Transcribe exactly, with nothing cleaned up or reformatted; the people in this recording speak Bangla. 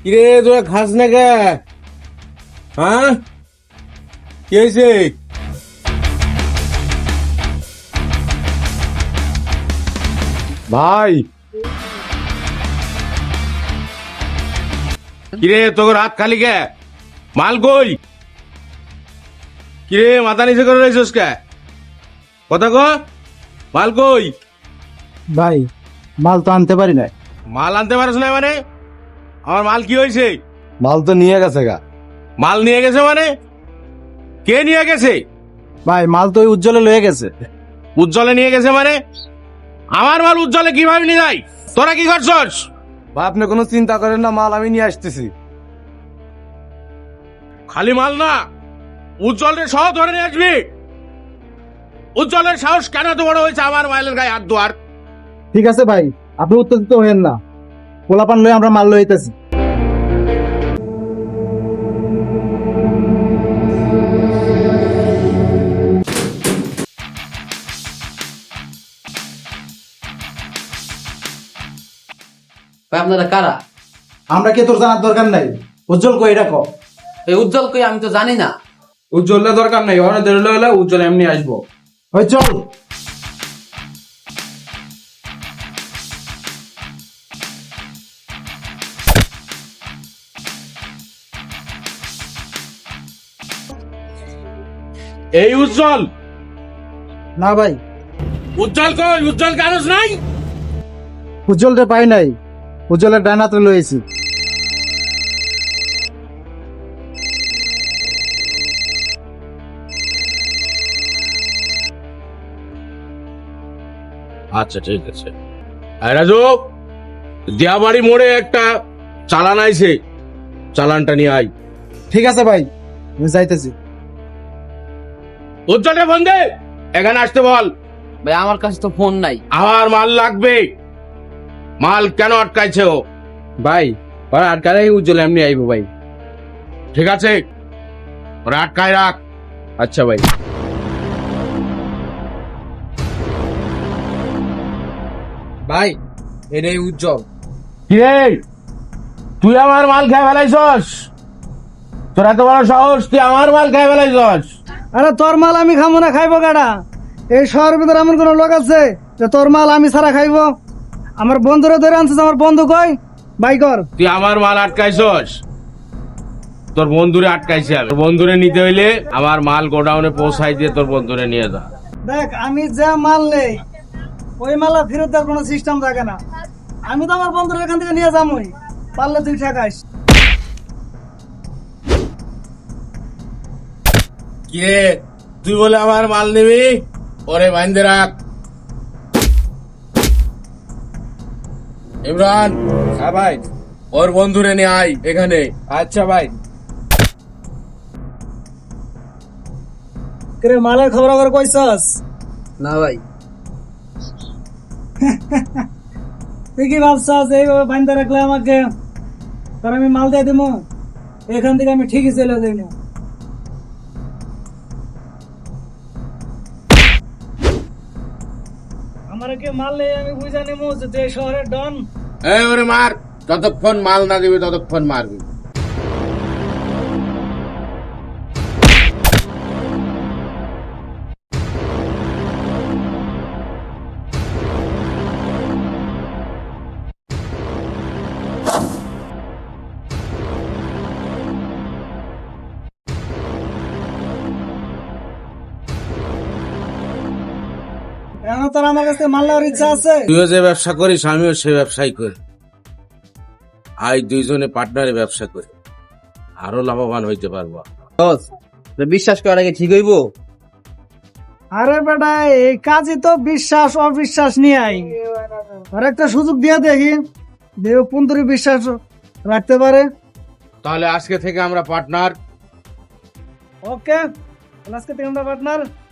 কিরে তোরা খাস না কে? হ্যাঁ, কি হয়েছে? ভাই কিরে তোর হাত খালি কে? মাল কই? কিরে মাথা নিচে করে রয়েছিস কে? কথা কো, মাল কই? ভাই মাল তো আনতে পারি না। মাল আনতে পারছ না মানে? আমার মাল কি হয়েছে? মাল তো নিয়ে গেছে গা। মাল নিয়ে গেছে মানে? কে নিয়ে গেছে? ভাই মাল তো ওই উজ্জ্বলে লয়ে গেছে। উজ্জ্বলে নিয়ে গেছে মানে? আমার মাল উজ্জ্বলে কিভাবে নিয়ে যায়? তোরা কি করছস? ভাই আপনি কোনো চিন্তা করেন না, মাল আমি নিয়ে আসতেছি। খালি মাল না, উজ্জ্বলের সহ ধরে নিয়ে আসবি। উজ্জ্বলের সাহস কেন এত বড় হয়েছে আমার মাইলের গায়ে হাত দোয়ার? ঠিক আছে ভাই, আপনি উত্তেজিত হইেন না, পোলাপান লয়ে আমরা মাল লইতেছি। ভাই আপনারা কারা? আমরা কে তোর জানার দরকার নাই। উজ্জ্বল কই এটা কও। এই উজ্জ্বল কই আমি তো জানি না। উজ্জ্বলের দরকার নেই, ওখানে দেরলে হলে উজ্জ্বল এমনি আসবো। ওই চল। এই উজ্জ্বল? না ভাই, উজ্জ্বল কই? উজ্জ্বল কারণ নাই? উজ্জ্বলটা পাই নাই, উজ্জ্বলের ডানাতে লয়েছি। আচ্ছা ঠিক আছে। এই রাজু, দিয়াবাড়ি মোড়ে একটা চালান আইছে, চালানটা নিয়ে আই। ঠিক আছে ভাই, আমি যাইতেছি। উজ্জ্বলে ফোন দে, এখানে আসতে বল। ভাই আমার কাছে তো ফোন নাই। আমার মাল লাগবে। মাল কেন আটকাইছে ও? ভাই ওরা আটকালে উজ্জ্বল এমনি আইবো ভাই। ঠিক আছে, ওরা আটকায় রাখ। আচ্ছা ভাই। ভাই এটাই উজ্জ্বল। কিরে তুই আমার মাল খেয়ে ফেলাইছস? তোর এত বড় সাহস, তুই আমার মাল খেয়ে ফেলাইছস? আরে তোর মাল আমি খাবো না, খাইবো কাটা? এই শহরের ভিতরে এমন কোন লোক আছে যে তোর মাল আমি ছাড়া খাইবো? আমার বন্ধুরা ধরে আনছিস, আমার বন্ধু কই? বাই কর। তুই আমার মাল আটকাইছস? তোর বন্ধুরে আটকাইছে আমি। তোর বন্ধুরে নিতে হইলে আমার মাল গোডাউনে পৌঁছাই দিয়ে তোর বন্ধুরে নিয়ে যা। দেখ আমি যা মাল নেই ওই মাল আর ফেরত দেওয়ার কোনো সিস্টেম থাকে না। আমি তো আমার বন্ধুরা এখান থেকে নিয়ে যাবোই, পারলে তুই ঠেকাইস। কিরে তুই বলে আমার মাল নিবি? ওরে বাইন্দে রাখ। ইমরান, হ্যাঁ ভাই। ওর বন্ধুরে নিয়ে আয় এখানে। আচ্ছা ভাই। কে মালের খবর খবর কইছস? না ভাই। তুই কি ভাবছস এইভাবে বাইন্দা রাখলে আমাকে তার আমি মাল দিয়ে দেবো? এখান থেকে আমি ঠিকই চলে যাই না। আমার কে মাল নেই আমি বুঝা নেবো যে তুই এই শহরের ডন। এই ওরে মার, যতক্ষণ মাল না দিবি ততক্ষণ মারবি। এখন তোর আমার কাছে মাল নেওয়ার ইচ্ছা আছে? তুইও যে ব্যবসা করিস আমিও সে ব্যবসাই করি। আজ দুইজনে পার্টনারে ব্যবসা করি, আরো লাভবান হইতে পারবো। বিশ্বাস করার আগে ঠিক হইব? আরে বেটা এই কাজই তো বিশ্বাস অবিশ্বাস নিয়ে আই। আর একটা সুযোগ দিয়ে দেখি, দেব পুন্তরি বিশ্বাস রাখতে পারে। তাহলে আজকে থেকে আমরা পার্টনার। ওকে, আজকে থেকে আমরা পার্টনার।